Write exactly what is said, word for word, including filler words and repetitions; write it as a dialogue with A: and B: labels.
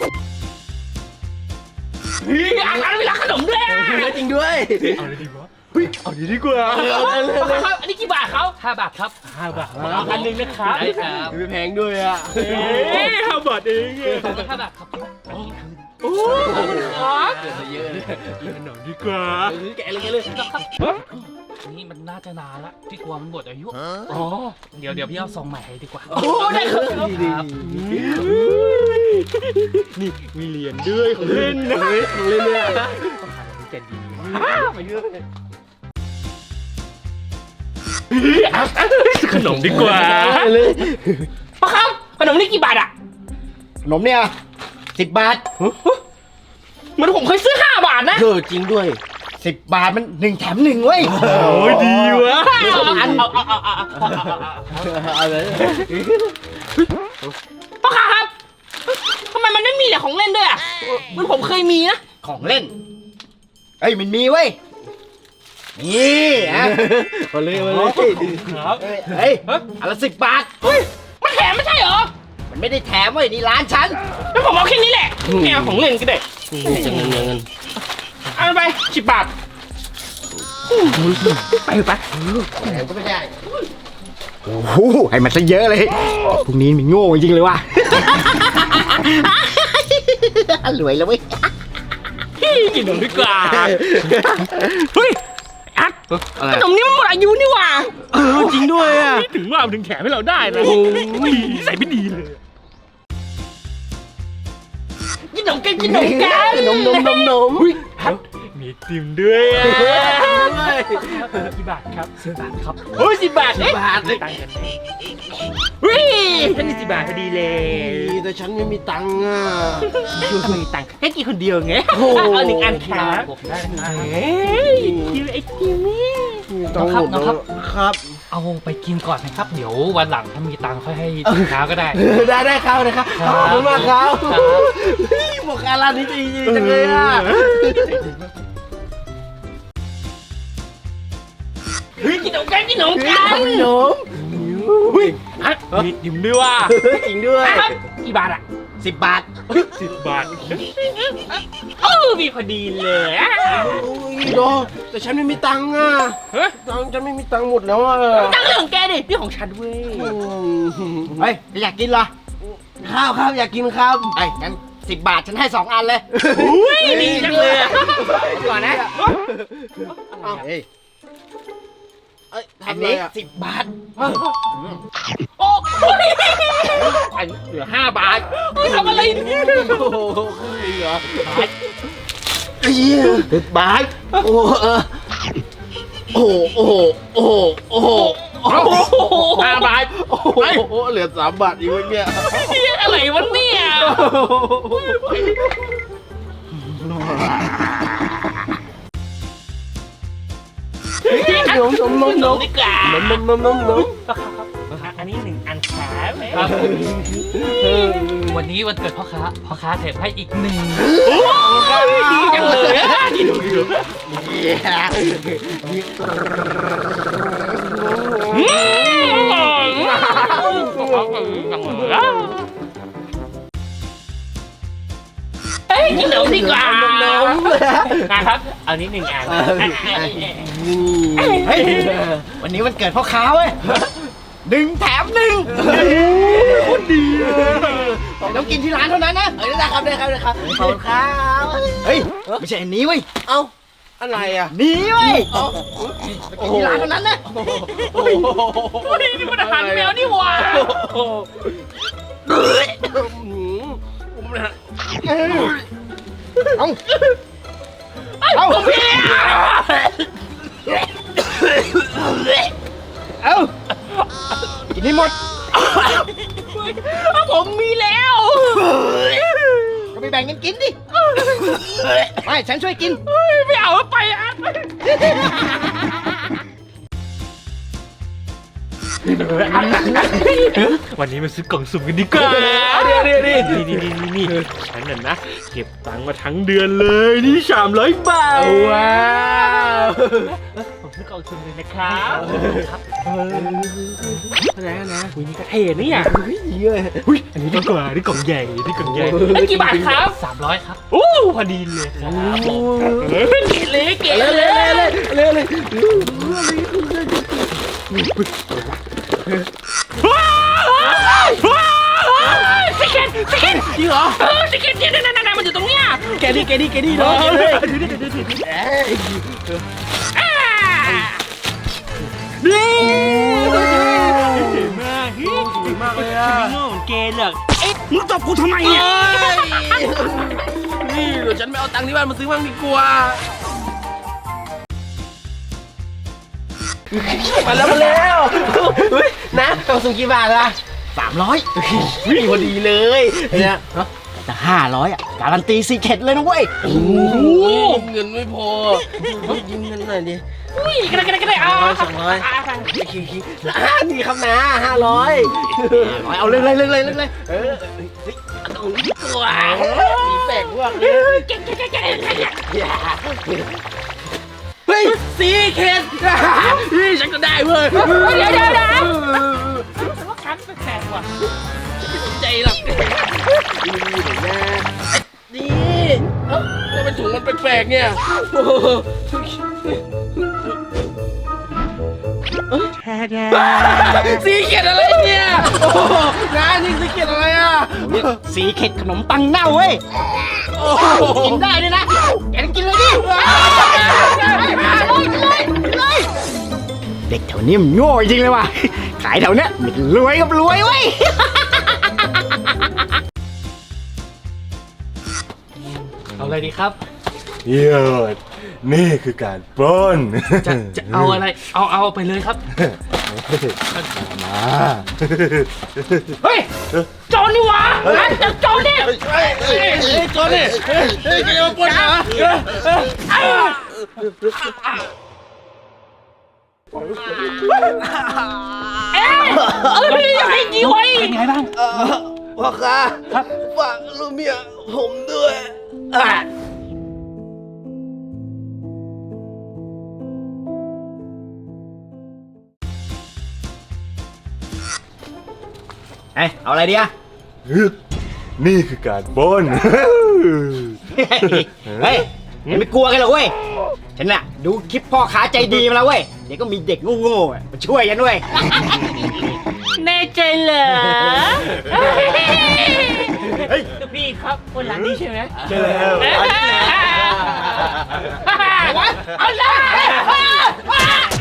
A: เฮ้ยอาหารเวลาขนมด้วยจริงด้วยเอาเลยดีกว่าเฮ้ยเอาดีดีกว่าเอาเลยครับอันนี้กี่บาทเขาห้าบาทครับห้าบาทเอาอันนึงนะครับได้ครับไม่แพงด้วยอ่ะเฮ้ยห้าบาทเองห้าบาทครับโอ้ขอบคุณครับเกิดมาเยอะเลยขนมดีกว่าแกะเลยแกะเลยครับนี่มันน่าจะนานละที่กลัวมันหมดอายุอ๋อเดี๋ยวเดี๋ยวพี่เอาซองใหม่ให้ดีกว่าโอ้ได้ครับนี่มีเหรียญด้วยของเล่นนะของเล่นเนี่ยต้องหาอะไรแกดีมาเยอะขนมดีกว่าเลยพ่อครับขนมนี่กี่บาทอะขนมเนี่ยสิบบาทเหมือนผมเคยซื้อห้าบาทนะเออจริงด้วยสิบบาทมันหนึ่งแถมหนึ่งเว้ยโอ้ยดีวะอันเอาเอาเอาเอาเอาเลยพ่อครับทำไมมันไม่มีแต่ของเล่นด้วยอะเหมือนผมเคยมีนะของเล่นเอ้ยมันมีเว้ยนี่อ่ะมาเลยมาเลยครับเฮ้ยอันละสิบบาทเฮ้ยมันแถมไม่ใช่เหรอมันไม่ได้แถมเว้ยนี่ร้านฉันแล้วผมเอาแค่นี้แหละแนวของเล่นก็ได้จะเงินเงินเอาไปสิบบาทไปไปแถมก็ไม่ได้โอ้โหให้มันซะเยอะเลยพวกนี้มันโง่จริงเลยว่ะรวยแล้วเว้ยกินขนมดีกว่าเฮ้ยอัดขนมนี้มันหมดอายุนี่หว่าเออจริงด้วยอ่ะถึงว่ามันถึงแถมให้เราได้นะใส่ไม่ดีเลยกินขนมกันกินขนมกันนมนมนมนมมีติ่มด้วยอ่ะกี่บาทครับสิบบาทครับเฮ้ยสิบบาทสิบบาทเลยตังค์กันเฮ้ยฉันมีสิบบาทพอดีเลยแต่ฉันไม่มีตังค์อ่ะไม่มีตังค์แค่กินคนเดียวไงเอาหนึ่งอันครับได้เฮ้ยคิวไอ้คิวนี่น้องครับน้องครับครับเอาไปกินก่อนนะครับเดี๋ยววันหลังถ้ามีตังค์ค่อยให้ลูกค้าก็ได้ได้ได้ครับนะครับขอบคุณมากครับบอกการร้านนี้ดีจังเลยอ่ะเฮ้ยกินขนมกันกินขนมกันขนมเฮ้ยอ่ะมีdimด้วยว่ะจริงด้วยกี่บาทอ่ะสิบบาทสิบบาทเออมีพอดีเลยอ่ะโอ้ยโดแต่ฉันไม่มีตังค์อ่ะตังค์ฉันไม่มีตังค์หมดแล้วอ่ะตังค์เรื่องของแกดินี่ของฉันเว้ยเฮ้ยอยากกินเหรอข้าวครับอยากกินครับไอ้งั้นสิบบาทฉันให้สองอันเลยอุ้ยดีจังเลยก่อนนะเฮ้ยอันนี้สิบบาทโอ้ยอันเหลือห้าบาททำอะไรเนี่ยโอ้โหเหลือสิบบาทโอ้โหโอ้โหโอ้โหโอ้โหโอ้โหห้าบาทโอ้โหเหลือสามบาทอีกวะเนี่ยอะไรวะเนี่ยนมนมนมนมดีกว่านมนมนมนมนมอันนี้หนึ่งอันแถมครับวันนี้วันเกิดพ่อค้าพ่อค้าแถมให้อีกหนึ่งดีจังเลยดีดูดีดูเฮ้ยกินขนมดีกว่านะครับเอานี้หนึ่งอันเฮ้ยวันนี้วันเกิดพ่อค้าเว้ยหนึ่งแถมหนึ่งโคตรดีต้องกินที่ร้านเท่านั้นนะเออได้ครับได้ครับได้ครับขอบคุณครับเฮ้ยไม่ใช่อันนี้เว้ยเอ้าอะไรอ่ะนี่เว้ยกินที่ร้านเท่านั้นนะโอ้โหนี่มันอาหารแมวนี่หว่าเอาเอาพี่เอากินให้หมดผมมีแล้วก็ไปแบ่งกันกินดิไม่ฉันช่วยกินไม่เอาไปอ่ะวันนี้มาซื้อกล่องสุ่มกันดีกว่า
B: เดี๋ยวเดี๋ยวเดี๋ยว
A: นี่นี่นี่นี่ฉันน่ะนะเก็บตังค์มาทั้งเดือนเลยนี่สามร้อยบาท
B: ว้าว
A: ผมซื้อกล่องสุ่มเลยนะครับครับอะไรนะอุ้ยนี่ก็เท่นี่อ่ะ
B: เยอะ
A: อุ้ยอันนี้ดีกว่านี่กล่องใหญ่นี่กล่องใหญ่ไอ้กี่บาทครับสามร้อยครับโอ้พอดีเลยครับเก๋เลยเก๋
B: เลย
A: เล
B: เลย
A: ย
B: เลยเลย
A: ว้าวว้าวสเก็ตสเก็ต
B: จริงเหรอ
A: เออสเก็ตเนี่ยนั่นนั่นมันอยู่ตรงเนี้ย
B: แกนี่แกนี่แกนี่เนาะ
A: ดูดิดูดิดูดิ
B: เอ้ย
A: นี่เจ๋งมาก
B: เก่งมากเลยอ่ะ
A: ฉันไม่โง่เหมือนแกหรอกเอ๊ะมึงตบกูทำไมเนี่ย
B: นี่เดี๋ยวฉันไม่เอาตังค์ที่บ้านมาซื้อบ้างดีกว่ามาแล้วมาแล้วนะเอาสุ่มกี่บาทละสามร้อยวิ่งพอดีเลยเนี่ยแต่ห้าร้อยอ่ะการันตีซีเค็ดเลยนะเว้ยโอ้โหเงินไม่พอยืมเงินหน่อยดิ
A: อุ้ยกระไรกระไรกระไรเอา
B: สองร้อยนี่ครับนะห้าร้อยเอาเลยเลยเลยเลยเลยเออตรงนี้ดีกว่าสีแปลกมากเลยเก่งเก่งเก่งเก่งเฮ้ยสีเค็ดนี่ฉันก็ได้เว้ย
A: เดี๋ยวเดี๋ยวเดี๋ยวฉันว่าคันแปลกๆว่ะ
B: ไม่สนใจหรอกนี่เอ้าทำไมถุงมันแปลกๆเนี่ยสีเขียดอะไรเนี่ยโอ้โหน้านี่สีเขียดอะไรอ่ะ
A: สีเข็ดขนมปังเน่าเว้ย
B: โอ้โห
A: กินได้ด้วยนะแกกินเลยดิเลยเด็กแถวนี้มันโง่จริงเลยว่ะขายแถวเนี้ยมันรวยกับรวยเว้ยเอาอะไรดีครับ
C: เยี่ยมนี่คือการปล้น
A: จะจะเอาอะไร เอาเอาไปเลยครับ
C: มา
A: เฮ้ยโจรนี่หวะจับโจรดิ
B: เฮ้ยเฮ้ยเฮ้ยโจรนี่เฮ้ยเฮ้ยแกเอาปล้นเหรอ
A: เอ๊ะเอ้ยไอ้ดีไว้เป็นไงบ้าง
B: พ่อค้าฝากลูกเมียผมด้วยอ่ะ
A: เอ้ยเอาอะไรดีอะ
C: นี่คือการปล้น
A: เฮ้ยไม่กลัวกันหรอกเว้ยฉันน่ะดูคลิปพ่อค้าใจดีมาแล้วเว้ยเดี๋ยวก็มีเด็กโง่ๆมาช่วยกันด้วยแน่ใจเหรอเฮ้ยพี่ครับคนหลังนี้ใช่ไหม
C: ใช่แล้ว
A: เอาเลย